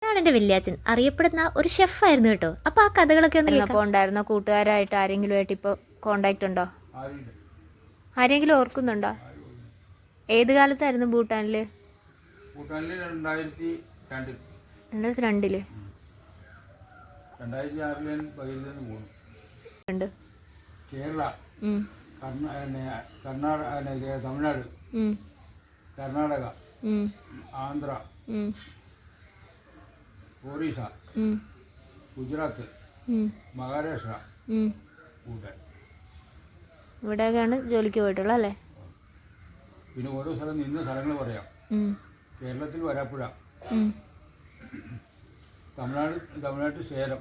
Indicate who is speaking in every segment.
Speaker 1: ഇതാണ് എൻ്റെ വല്യാച്ചൻ, അറിയപ്പെടുന്ന ഒരു ഷെഫായിരുന്നു കേട്ടോ. അപ്പോൾ ആ കഥകളൊക്കെ ഒന്ന്
Speaker 2: അപ്പോൾ ഉണ്ടായിരുന്നോ കൂട്ടുകാരായിട്ട് ആരെങ്കിലും ആയിട്ട് ഇപ്പോൾ കോണ്ടാക്ട് ഉണ്ടോ? ആരെങ്കിലും ഓർക്കുന്നുണ്ടോ? ഏത് കാലത്തായിരുന്നു ഭൂട്ടാനിൽ?
Speaker 3: 2002
Speaker 2: 2002
Speaker 3: കേരള, കർണാടക, തമിഴ്നാട്, കർണാടക, ആന്ധ്ര, ഒറീസ, ഗുജറാത്ത്, മഹാരാഷ്ട്ര, ഭൂട്ടാൻ.
Speaker 2: ഇവിടെയൊക്കെയാണ് ജോലിക്ക് പോയിട്ടുള്ളത് അല്ലേ?
Speaker 3: പിന്നെ ഓരോ സ്ഥലം നിന്ന് സ്ഥലങ്ങൾ പറയാം. കേരളത്തിൽ വരാപ്പുഴ, തമിഴ്നാട്ടിൽ സേലം,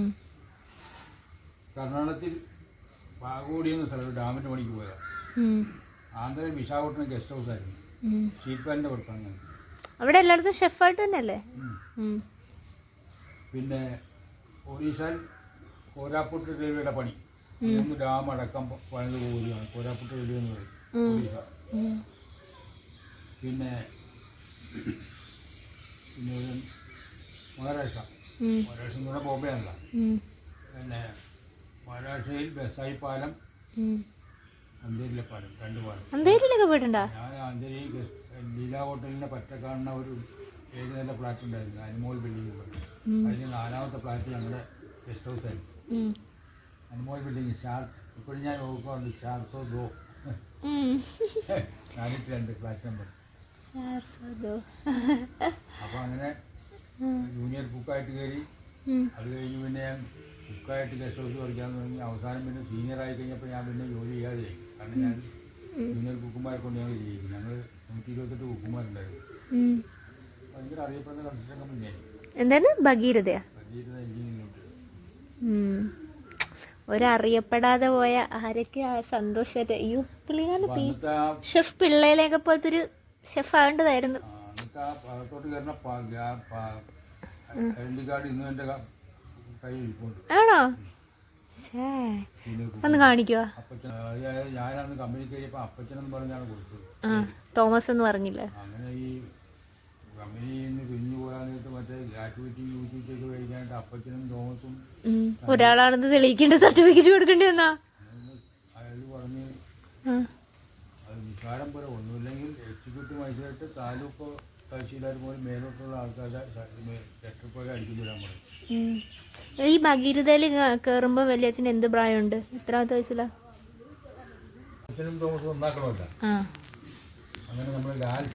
Speaker 3: കർണാടകത്തിൽ പാകോടി എന്ന സ്ഥലത്ത് ഡാമിൻ്റെ പണിക്ക് പോയതാണ്. ആന്ധ്രയിൽ വിശാഖപട്ടണം ഗസ്റ്റ് ഹൗസ് ആയിരുന്നു. ഷീറ്റ് പാനിൻ്റെ വർക്കാണ് ഞാൻ.
Speaker 2: അവിടെ എല്ലായിടത്തും ഷെഫായിട്ട് തന്നെയല്ലേ?
Speaker 3: പിന്നെ ഒറീസയിൽ കോരാപ്പുട്ട് റെയിൽവേയുടെ പണി, 3 ഡാം അടക്കം പണിത് പോവുകയാണ്. കോരാപ്പുട്ട് റെയിൽവേ എന്ന് പറയും ഒറീസ. പിന്നെ മഹാരാഷ്ട്ര എന്ന് പറഞ്ഞാൽ ബോംബെ ആണല്ല. പിന്നെ മഹാരാഷ്ട്രയിൽ ബസായി പാലം, അന്തേരിയിലെ പാലം, 2 പാലം.
Speaker 2: അന്തേരിയിലൊക്കെ പോയിട്ടുണ്ടോ?
Speaker 3: ഞാൻ അന്തേരി ലീല ഹോട്ടലിൻ്റെ പറ്റ കാണുന്ന ഒരു 7 നില ഫ്ലാറ്റ് ഉണ്ടായിരുന്നു, അനുമോൾ ബിൽഡിംഗ് പറഞ്ഞു. അതിന് 4ാമത്തെ ഫ്ലാറ്റ് ഞങ്ങളുടെ ഗസ്റ്റ് ഹൗസ് ആയിരുന്നു. അനുമോൾ ബിൽഡിംഗ് ഷാർട്സ്. ഇപ്പോഴും ഞാൻ നോക്കുന്നുണ്ട്, ഷാർട്സോ ദോ 402 ഫ്ലാറ്റ് നമ്പർ. അപ്പോൾ അങ്ങനെ ജൂനിയർ കുക്കായിട്ട് കയറി. അത് കഴിഞ്ഞ് പിന്നെ ഞാൻ കുക്കായിട്ട് ഗസ്റ്റ് ഹൗസ് പഠിക്കാമെന്ന് പറഞ്ഞ് അവസാനം പിന്നെ സീനിയർ ആയി കഴിഞ്ഞപ്പോൾ ഞാൻ പിന്നെ ജോലി ചെയ്യാതെ. കാരണം ഞാൻ ജൂനിയർ കുക്കുമാരെ കൊണ്ട് ഞങ്ങൾ ചെയ്യും. ഞങ്ങൾ 128 കുക്കുമാരുണ്ടായിരുന്നു. ഭയങ്കര അറിയപ്പെടുന്ന കൺസ്ട്രക്ഷൻ കമ്പനിയായി.
Speaker 2: എന്താണ് ഭഗീരഥ
Speaker 3: എഞ്ചിനീയറിംഗ്.
Speaker 2: ഒരറിയപ്പെടാതെ പോയ ആരൊക്കെ സന്തോഷമായിട്ട് അയ്യോ പുള്ളിക്കാരൻ ഷെഫ് പിള്ളയിലേക്ക് പോലത്തെ ഒരു ഷെഫ് ആവേണ്ടതായിരുന്നു.
Speaker 3: അകത്തോട്ട് കയറുന്ന ഐഡന്റി കാർഡ് ഇന്നും എൻ്റെ കയ്യിൽ ഇരിപ്പുണ്ട്.
Speaker 2: ആണോ? ഒന്ന് കാണിക്കുവാ.
Speaker 3: ഞാനന്ന് കമ്പനി കയറിയപ്പോൾ അപ്പച്ചനെന്ന് പറഞ്ഞാണ് കൊടുത്തത്.
Speaker 2: തോമസ് എന്ന് പറഞ്ഞില്ല.
Speaker 3: അങ്ങനെ ഈ കമ്പനിയിൽ നിന്ന് പിരിഞ്ഞു പോകാൻ നേരത്ത് മറ്റേ ഗ്രാറ്റുവിറ്റി യൂറ്റിലിറ്റി ഒക്കെ കഴിക്കാനായിട്ട് അപ്പച്ചനും തോമസും
Speaker 2: ഒരാളാണെന്ന് തെളിയിക്കേണ്ട സർട്ടിഫിക്കറ്റ് കൊടുക്കേണ്ടി വന്നാ.
Speaker 3: അയാൾ പറഞ്ഞ് അത് നിസ്സാരം പോലെ ഒന്നുമില്ലെങ്കിൽ എക്സിക്യൂട്ടീവ് മജിസ്ട്രേറ്റ്, താലൂക്ക് തഹസീൽദാർ പോലും മേലോട്ടുള്ള ആൾക്കാരുടെ ലെറ്റർ പോലെ അടിച്ചു തരാൻ പറയും.
Speaker 2: ഈ ഭഗീരഥയിൽ കയറുമ്പോൾ വലിയച്ഛന് എന്ത് പ്രായമുണ്ട്? എത്രാമത്തെ വയസ്സിലാ?
Speaker 3: അച്ഛനും തോമസും ഒന്നാക്കണമല്ല. അങ്ങനെ നമ്മൾ